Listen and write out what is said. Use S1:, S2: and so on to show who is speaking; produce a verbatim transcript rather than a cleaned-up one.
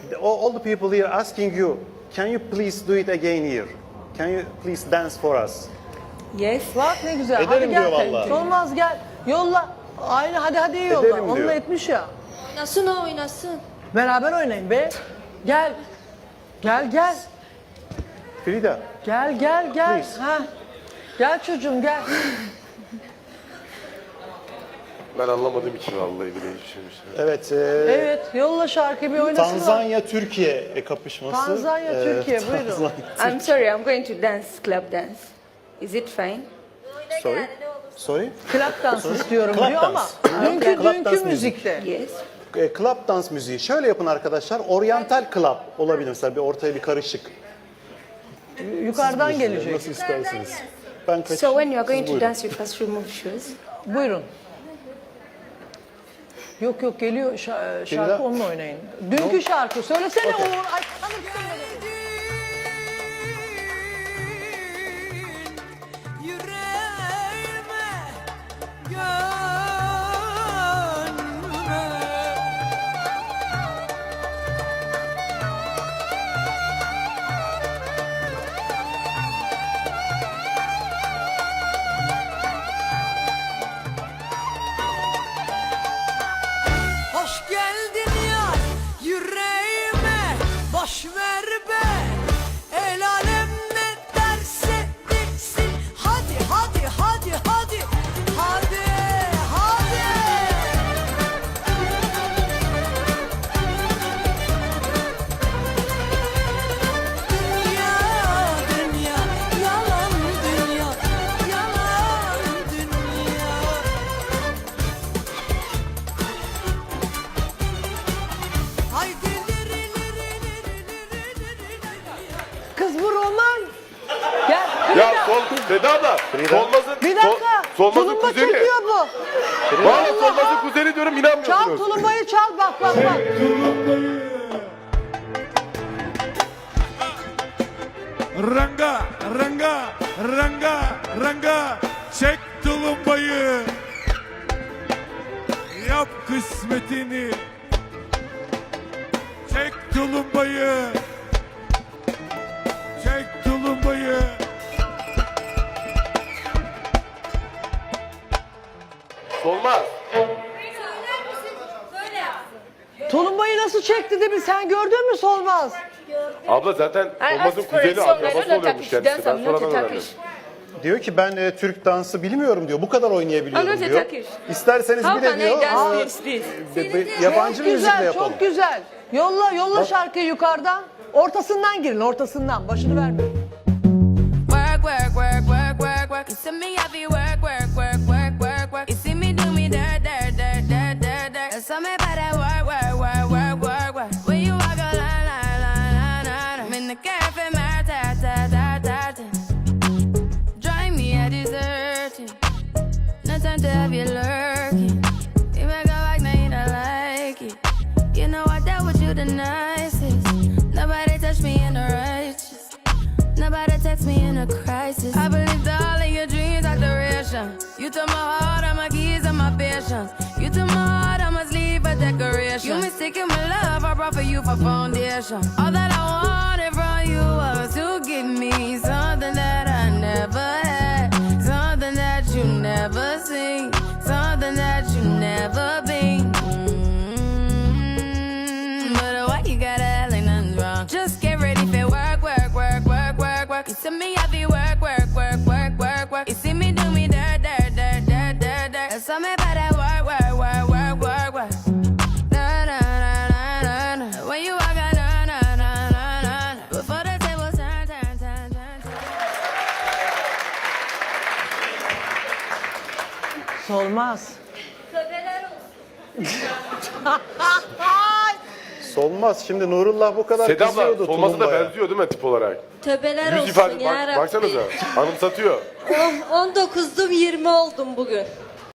S1: all, all the people here asking you, can you please do it again here? Can you please dance for us?
S2: Yes.
S3: Bak ne güzel.
S1: Ederim
S3: hadi gel.
S1: diyor vallahi.
S3: Solmaz gel. Yolla. Aynı hadi hadi yolla.
S1: Ederim
S3: Onunla
S1: diyor.
S3: etmiş ya.
S2: Oynasın o oynasın.
S3: Beraber oynayın be. Gel. Gel gel.
S1: Frida,
S3: Gel gel gel.
S1: Please.
S3: Ha. Gel çocuğum gel.
S4: Ben anlamadığım için vallahi bile hiçbir şey.
S1: evet. E,
S3: Evet yolla şarkıyı bir oynasınlar.
S1: Tanzanya Türkiye kapışması.
S3: Tanzanya,
S1: E,
S3: Türkiye, buyurun.
S1: Tanzanya-
S2: I'm sorry, I'm going to dance club dance. Is it fine?
S1: Sorry. Sorry.
S3: Club dans istiyorum
S1: Club
S3: diyor ama
S1: dance.
S3: dünkü,
S1: Club
S3: dünkü
S1: dance
S3: müzikte.
S2: Yes.
S1: E, club dans müziği. Şöyle yapın arkadaşlar. Oriental club olabilir mesela, bir ortaya bir karışık.
S3: Yukarıdan gelecek.
S1: Nasıl isterseniz. Ben kaç.
S2: So when you are going
S1: Siz
S2: to
S1: buyurun.
S2: dance, you first remove shoes.
S3: Buyurun. Yok yok geliyor şa- şarkı
S1: Frida.
S3: onunla oynayın. Dünkü şarkı söylesene
S1: Okey.
S3: Uğur. Ay tanırsın beni.
S5: Yüreğime, gönlüme. Hoş geldin ya yüreğime, boş ver be. El alem ne derse desin. Hadi hadi hadi hadi. Hadi hadi. Dünya dünya yalan dünya. Yalan dünya. Haydi liri liri liri liri liri.
S3: Kız bu roman. Gel.
S4: Ya
S3: Frida.
S4: sol, Seda abla, Solmaz'ın,
S3: Bir dakika.
S4: Sol, Solmaz'ın
S3: Tulumba
S4: kuzeni.
S3: çekiyor bu.
S4: Valla Solmaz'ın kuzeni diyorum,
S3: Çal
S4: inanmıyorsunuz.
S3: tulumbayı çal bak bak bak.
S6: Ranga, ranga, ranga, ranga, çek tulumbayı. Yap kısmetini. Çek tulumbayı. Çek tulumbayı.
S4: Solmaz.
S3: Tulumbayı nasıl çekti de bir sen gördün mü Solmaz?
S4: Abla zaten Solmaz'ın kuzeni, akrabası oluyormuş kendisi. Ben sonradan öğrendim.
S1: Diyor ki ben e, Türk dansı bilmiyorum diyor. Bu kadar oynayabiliyorum
S2: Anlatı
S1: diyor.
S2: takır.
S1: İsterseniz
S2: How
S1: bir de
S2: can I
S1: diyor.
S2: dance
S1: aa,
S2: this, this?
S1: be- be- yabancı
S3: Çok
S1: müzikle
S3: güzel,
S1: yapalım.
S3: çok güzel. Yolla, yolla şarkıyı yukarıdan. Ortasından girin, ortasından. Başını vermeyin.
S5: Work, work, work, work, work, work. You see me have you work, work, work, work, work, work. You see me do me dirt, dirt, dirt, dirt, dirt, dirt. There's something about that work, work, work, work, work, work. When you walk a line, line, line, line, line. I'm in the cafe, my ta, ta, ta, ta, ta. Drive me a deserting. No time to have you lurking. You make a like, now you don't like it. You know I dealt with you the nicest. Nobody touched me in the righteous. Nobody text me in a crisis. I believed all of your dreams are duration. You took my heart, all my keys, and my patience. You took my heart, I must leave a decoration. You mistaken my love, I brought for you for foundation. All that I wanted from you was to give me something that I never had, something that you never seen, something that you never been. Mm, But why you gotta act like nothing's wrong? Just get ready for work, work, work, work, work, work. You see me heavy work, work, work, work, work, work. You see me do me dirt, dirt, dirt, dirt, dirt, dirt. There's something about that work, work, work, work, work, work. Na na na na na na. When you walk out, na na na na na na. Before the table turn, turn, turn, turn, turn.
S3: Solmaz.
S1: Solmaz. Şimdi Nurullah bu kadar
S4: Seda
S1: kızıyordu
S4: abla, Solmaz'a da
S1: tulumbaya.
S4: benziyor değil mi tip olarak?
S2: Töbeler
S4: Yüz
S2: olsun
S4: ifade,
S2: ya
S4: bak,
S2: Rabbi.
S4: baksanıza, anımsatıyor.
S2: on dokuzdum yirmi oldum bugün.